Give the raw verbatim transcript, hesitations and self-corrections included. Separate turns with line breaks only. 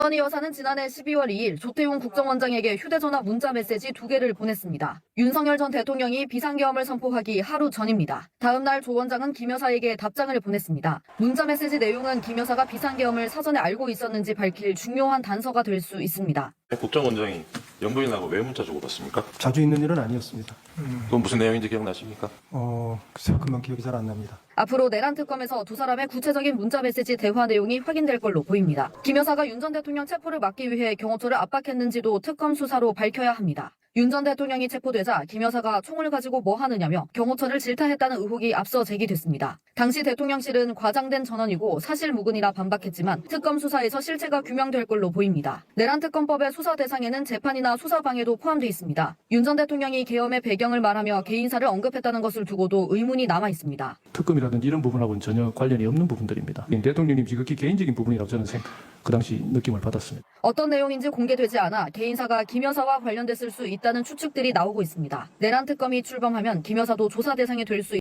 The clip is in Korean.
김건희 여사는 지난해 십이월 이일 조태용 국정원장에게 휴대전화 문자 메시지 두 개를 보냈습니다. 윤석열 전 대통령이 비상계엄을 선포하기 하루 전입니다. 다음 날 조 원장은 김 여사에게 답장을 보냈습니다. 문자 메시지 내용은 김 여사가 비상계엄을 사전에 알고 있었는지 밝힐 중요한 단서가 될 수 있습니다.
국정원장이 영부인하고 왜 문자 주고받습니까?
자주 있는 일은 아니었습니다.
그건 무슨 내용인지 기억나십니까?
어, 글쎄요, 금방 기억이 잘 안 납니다.
앞으로 내란 특검에서 두 사람의 구체적인 문자 메시지 대화 내용이 확인될 걸로 보입니다. 김 여사가 윤 전 대통령 체포를 막기 위해 경호처를 압박했는지도 특검 수사로 밝혀야 합니다. 윤 전 대통령이 체포되자 김 여사가 총을 가지고 뭐 하느냐며 경호처를 질타했다는 의혹이 앞서 제기됐습니다. 당시 대통령실은 과장된 전언이고 사실무근이라 반박했지만 특검 수사에서 실체가 규명될 걸로 보입니다. 내란 특검법의 수사 대상에는 재판이나 수사 방해도 포함돼 있습니다. 윤 전 대통령이 계엄의 배경을 말하며 개인사를 언급했다는 것을 두고도 의문이 남아 있습니다.
특검이라든지 이런 부분하고는 전혀 관련이 없는 부분들입니다. 대통령님 지극히 개인적인 부분이라고 저는 생, 그 당시 느낌을 받았습니다.
어떤 내용인지 공개되지 않아 개인사가 김 여사와 관련됐을 수 있다는 추측들이 나오고 있습니다. 내란 특검이 출범하면 김 여사도 조사 대상이 될 수